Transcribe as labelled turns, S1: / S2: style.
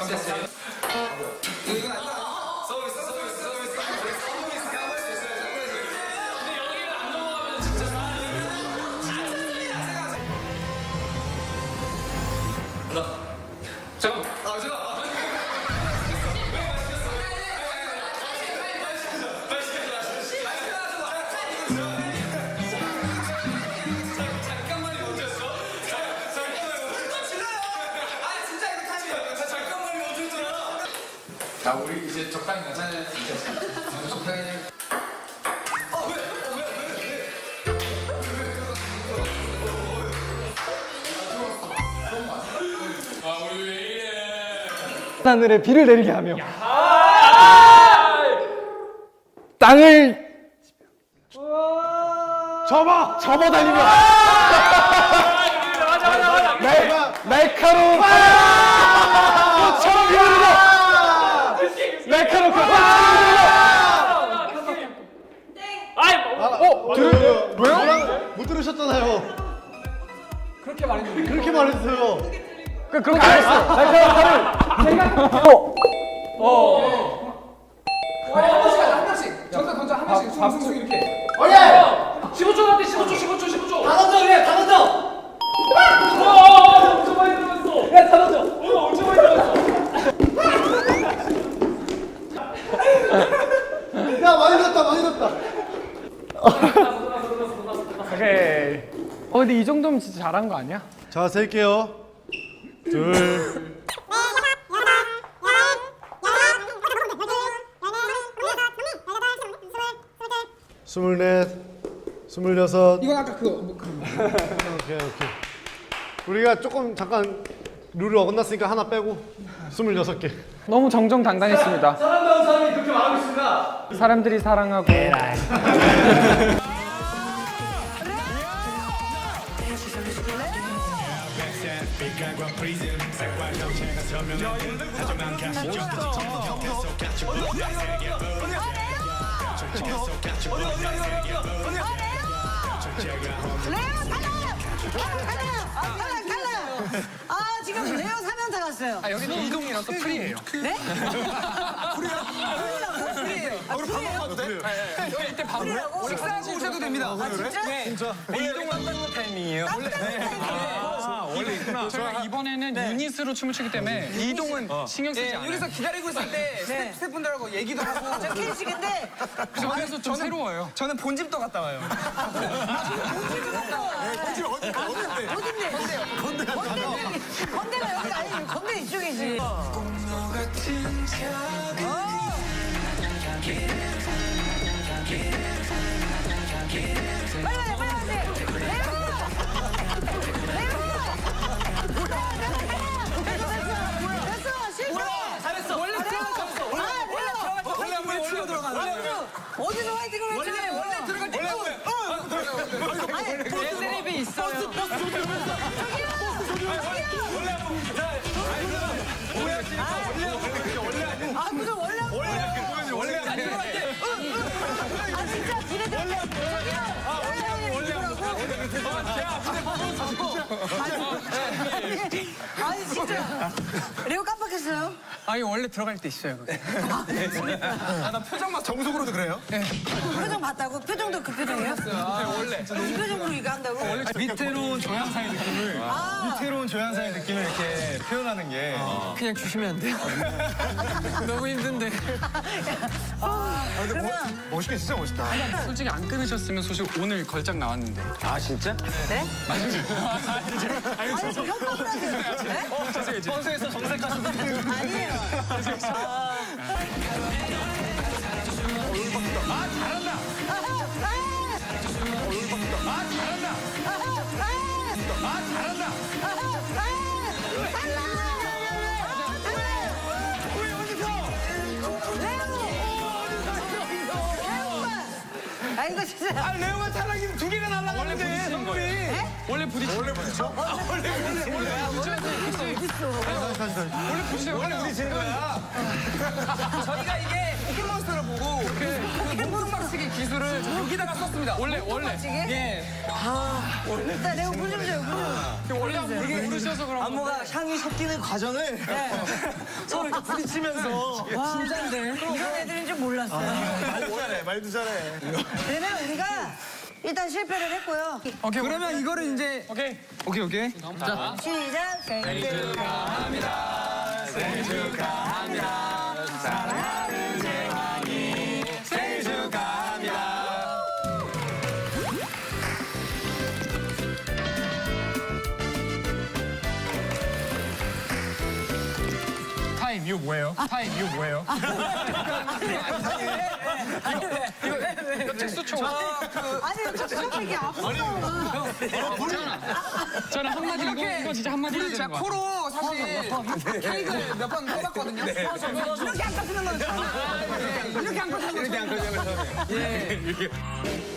S1: 자, 우리 이제 적당히 가자. 적당히. 우리 왜 이래?
S2: 하늘에 비를 내리게 하며 땅을 접어달리며 날카로운 꽃처럼 비오르며 날카로운 꽃처럼
S3: 왜요? 못 들으셨잖아요. 그렇게 말했어요.
S2: 그렇게 말했어. 날카로운 칼을
S1: 한 번씩. 정답 던져 한 번씩. 숭숭 이렇게. 15초 남았대. 15초.
S3: 다 던져 그래. 다 던져.
S1: 엄청 많이 들어갔어. 야, 다 던져. 엄청 많이 들어갔어.
S3: 야 많이 넣었다.
S2: 오케이. 근데 이 정도면 진짜 잘한 거 아니야?
S3: 자 셀게요. 둘. 스물넷, 스물여섯.
S1: 이건 아까 그거.
S3: 오케이. 우리가 조금 잠깐 룰을 어긋났으니까 하나 빼고 26개.
S2: 너무 정정당당했습니다.
S3: 사랑하는 사람이 그렇게 말하고 있습니다.
S2: 사람들이 사랑하고
S4: 아 지금 레오 3명 다 갔어요.
S1: 여기는 이동이랑 또 프리예요.
S4: 네?
S1: 우리 밥 먹어도 돼? 여기 이때 밥 먹고 식사하고 오셔도 됩니다.
S4: 아 진짜?
S1: 이동 왔다는 타이밍이에요. 원래 있구나.
S5: 저희가 이번에는 유닛으로 춤을 추기 때문에 이동은 신경 쓰지 않아요.
S1: 여기서 기다리고 있을 때
S4: 네.
S1: 스태프분들하고 얘기도 하고.
S4: 저 캐릭인데
S5: 그래서 좀 새로워요.
S1: 저는 본집도 갔다 와요.
S4: 건대가 여기 아니지. 건대 이쪽이지. 어디서 화이팅을 했지? 원래 들어갈 때
S5: 텔레비 있어요.
S4: 아 무슨 원래 아 진짜 기대돼. 아니 진짜 레오 깜빡했어요?
S5: 아니 원래 들어갈 때 있어요. 그게.
S1: 나 표정만 정석으로도 그래요?
S4: 표정 봤다고? 표정도 그 표정이에요?
S5: 원래
S4: 이 표정으로 이거 한다고?
S5: 위태로운 조향사의 느낌을
S3: 위태로운 조향사의 느낌을 이렇게 표현하는 게
S5: 그냥 주시면 안 돼요? 너무 힘든데.
S4: 그러면
S3: 멋있게 진짜 멋있다.
S5: 솔직히 안 끊으셨으면 소식 오늘 걸작 나왔는데. 아 진짜?
S4: 네? 아니 저 협박을 하세요. 네?
S5: 선수에서 정색하신 분.
S4: 아니에요. 아 이거 진짜.
S1: 레오가 타락이면 두 개가 날라가는데.
S5: 원래 부딪히는 거예요. 원래 부딪히는 거예요. 원래 부딪히는 거야.
S1: 저희가 이게 포켓몬스터를 보고 그 몽둥박치기 기술을 여기다가 썼습니다.
S5: 원래.
S4: 찌개?
S1: 예.
S4: 일단 내가 물 좀 줘요, 물 좀.
S5: 원래 모르셔서 그런 거.
S6: 안무가 향이 섞이는 과정을 서로 이렇게 부딪히면서
S4: 진짠데? 이런 애들인 줄 몰랐어요.
S6: 말도 잘해.
S4: 그러면 우리가 일단 실패를 했고요.
S5: 오케이.
S6: 그러면 이거를 이제
S5: 오케이.
S6: 오케이.
S4: 시작. 생일 축하합니다.
S6: 생일 축하합니다. 사랑하는 재환이 생일 축하합니다.
S5: 타임 이거 뭐예요? 타임 이거 뭐예요? 이거 특수초.
S4: 아니, 저 이게 아프다.
S5: 저는 한마디 이거 진짜 한마디 해야 되는 거 같아요.
S1: 코로 사실 케이크를 몇 번 뽑았거든요.
S4: 이렇게 안 깎는 건 처음이에요. 이렇게 안 깎는 건 처음이에요.
S6: 이렇게.